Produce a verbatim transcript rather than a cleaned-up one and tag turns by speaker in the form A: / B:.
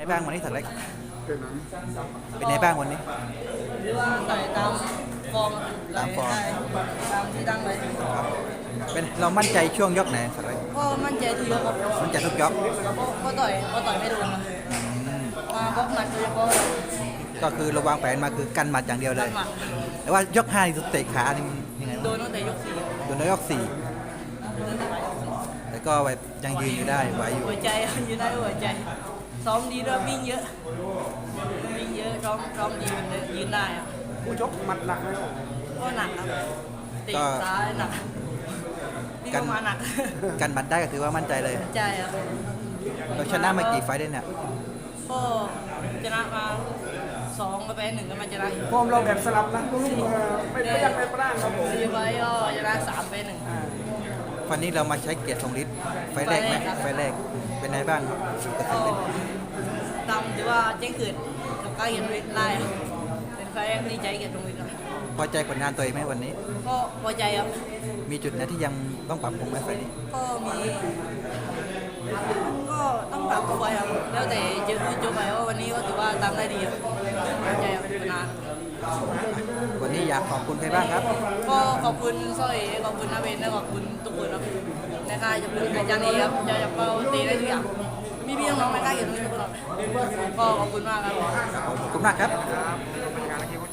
A: บ้างวันนี้สัตว์เล็กเป็นไงบ้างวันนี้
B: หรือว่าต่อยตามฟอร์มตามฟอร์มตามที่ตั้งไว้
A: ครับเป็นเรามั่นใจช่วงยกไหนสัตว์เล็ก
B: ก็มั่นใจทุกยกครับ
A: มั่นใจทุกยก
B: ก็ต่อยก็ต่อยไม่โดนมาบล็อกหมัดโดยเฉพาะ
A: ก็คือเราวางแผนมาคือกันหมัดอย่างเดียวเลยแต่ว่ายกห้านี่เตะขานี่ยังไง
B: โดนตั้งแต่ยกสี่
A: โดนยกสี่แต่ก็แบบยังยืนอยู่ได้ไหวอยู่
B: หัวใจยืนได้หัวใจซ้อมดีด้วยวิ่งเยอะวิ่งเยอะซ้อมซ้อมดีเลยยืนได้ครับ
C: ผู้ชกหมัดหนักไหม
B: ก็หนักครับตีซ้ายหนักนี่ก็มาหนัก
A: กันหมัดได้ก็ถือว่ามั่นใจเลย
B: ใจครับ
A: เราชนะมากี่ไฟได้เนี่ย
B: ก็ชนะมาสองไปหนึ่งก็มาชนะ
C: ฟอร์มเราแบบสลับนะไม่ไม่ยังไม่ปร่างครับผม
B: สี่ไฟก็ชนะสามไปหนึ่ง
A: วันนี้เรามาใช้เกียรติทรงฤทธิ์ไฟแรกไหมไฟแรกเป็นไงบ้าง
B: ก็ตามที่ว่าเจ๊งเกิดกับการเกียรติฤทธิ์ได้เป็นไฟแรกนี่ใจเกียรติทรงฤทธิ์
A: พอใจผลงานตัวเองไหมวันนี้
B: ก็พอใจครับ
A: มีจุดไหนที่ยังต้องปรับปรุงไหมไฟนี้
B: ก็มีก็ต้องปรับตัวครับแล้วแต่เจอจบไปว่าวันนี้ก็ถือว่าทำได้ดีครับพอใจครับผลงาน
A: วันนี้อยากขอบคุณใครบ้างครับ
B: ก็ขอบคุณสร้อยขอบคุณนาเวนและขอบคุณทุกคนครับในค่ายจะเป็นอาจารย์เอครับจะจะเป้าตีได้ทุกอย่างมีพี่น้องในค่ายเกี่ยวกับทุกคนก็ขอบคุณมากครับ
A: ขอบคุณมากครับ